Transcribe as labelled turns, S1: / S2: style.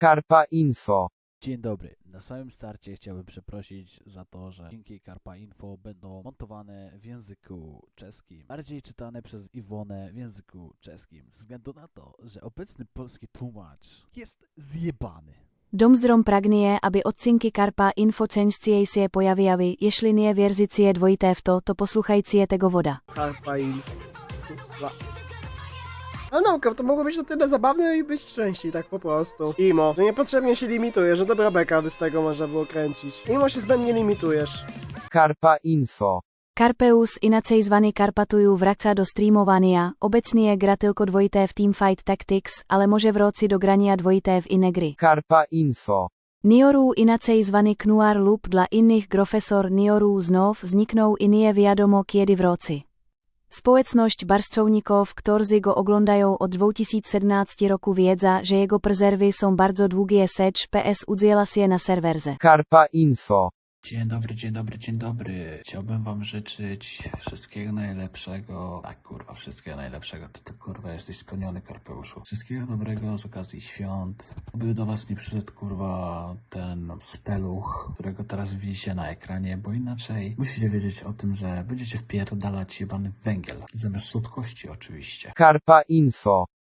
S1: Karpa Info.
S2: Dzień dobry. Na samym starcie chciałbym przeprosić za to, że odcinki Karpa Info będą montowane w języku czeskim, bardziej czytane przez Iwonę w języku czeskim, ze względu na to, że obecny polski tłumacz jest zjebany.
S3: Domzdrom pragnie, aby odcinky Karpa Info częściej się pojawiały, jeśli nie wierzycie dvojité v to posłuchajcie tego woda.
S4: Karpa Info. A nauka, to mogło być na tyle zabawne i być częściej, tak po prostu. Imo, że niepotrzebnie się limitujesz, że dobra beka by z tego można było kręcić. Imo się zbędnie limitujesz.
S1: Karpa Info.
S3: Karpeus inaczej zwany Karpatuju wraca do streamovania, obecnie gra tylko dvojité v Teamfight Tactics, ale może wróci do grania dvojité v inne gry.
S1: Karpa Info.
S3: Nioru inaczej zwany Knuar lub dla innych Grofesor Nioru znów zniknął i nie wiadomo kiedy wróci. Społeczność barszczowników, którzy go oglądają od 2017 roku wiedza, że jego prezerwy są bardzo długie seć PS udziela się na serwerze.
S1: Karpa Info.
S2: Dzień dobry, dzień dobry, dzień dobry. Chciałbym wam życzyć wszystkiego najlepszego. Tak, kurwa, wszystkiego najlepszego. Ty kurwa jesteś spełniony, Karpeuszu. Wszystkiego dobrego z okazji świąt. Oby do was nie przyszedł, kurwa, ten speluch, którego teraz widzicie na ekranie, bo inaczej musicie wiedzieć o tym, że będziecie wpierdalać jebany węgiel. Zamiast słodkości oczywiście.
S1: Karpa Info.